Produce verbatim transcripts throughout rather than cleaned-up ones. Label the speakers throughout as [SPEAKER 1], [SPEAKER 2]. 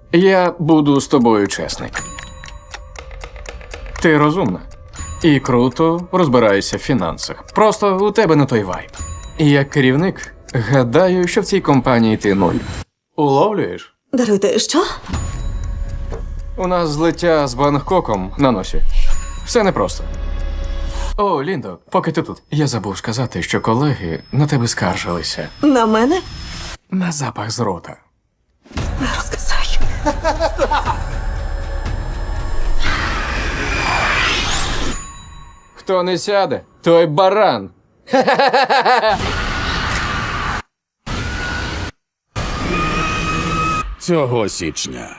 [SPEAKER 1] Я буду з тобою чесний. Ти розумна. І круто розбираєшся в фінансах. Просто у тебе не той вайб. І як керівник, гадаю, що в цій компанії ти нуль. Уловлюєш?
[SPEAKER 2] Даруйте, що?
[SPEAKER 1] У нас злиття з Бангкоком на носі. Все непросто. О, Ліндо, поки ти тут. Я забув сказати, що колеги на тебе скаржилися.
[SPEAKER 2] На мене?
[SPEAKER 1] На запах з рота.
[SPEAKER 2] Не розказай.
[SPEAKER 1] Хто не сяде, той баран.
[SPEAKER 3] Цього січня.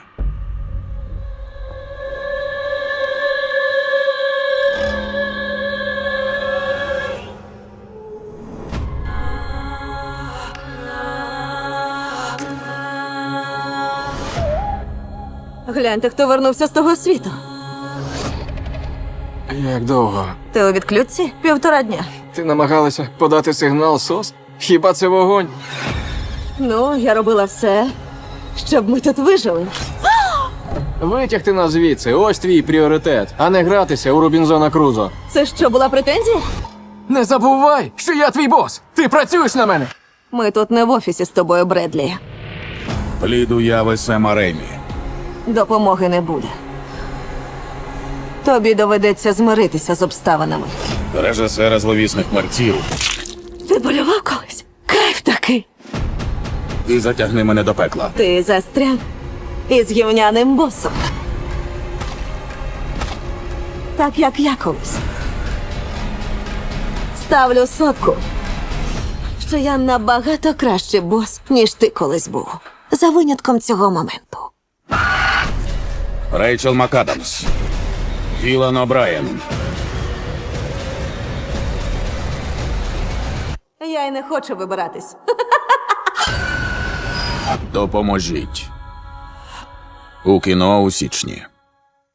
[SPEAKER 2] Гляньте, хто вернувся з того світу.
[SPEAKER 1] Як довго?
[SPEAKER 2] Ти у відключці? Півтора дня.
[SPEAKER 1] Ти намагалася подати сигнал СОС? Хіба це вогонь?
[SPEAKER 2] Ну, я робила все, щоб ми тут вижили.
[SPEAKER 1] Витягти нас звідси, ось твій пріоритет, а не гратися у Робінзона Крузо.
[SPEAKER 2] Це що, була претензія?
[SPEAKER 1] Не забувай, що я твій бос! Ти працюєш на мене!
[SPEAKER 2] Ми тут не в офісі з тобою, Бредлі.
[SPEAKER 3] Плід уяви Сема Ремі.
[SPEAKER 2] Допомоги не буде. Тобі доведеться змиритися з обставинами.
[SPEAKER 3] Режисера зловісних мерців.
[SPEAKER 2] Ти болював колись? Кайф такий.
[SPEAKER 3] І затягни мене до пекла.
[SPEAKER 2] Ти застряг із гівняним босом. Так, як я колись. Ставлю сотку, що я набагато кращий бос, ніж ти колись був. За винятком цього моменту.
[SPEAKER 3] Рейчел МакАдамс. Ілан О'Брайен.
[SPEAKER 2] Я й не хочу вибиратись.
[SPEAKER 3] Допоможіть. У кіно у січні.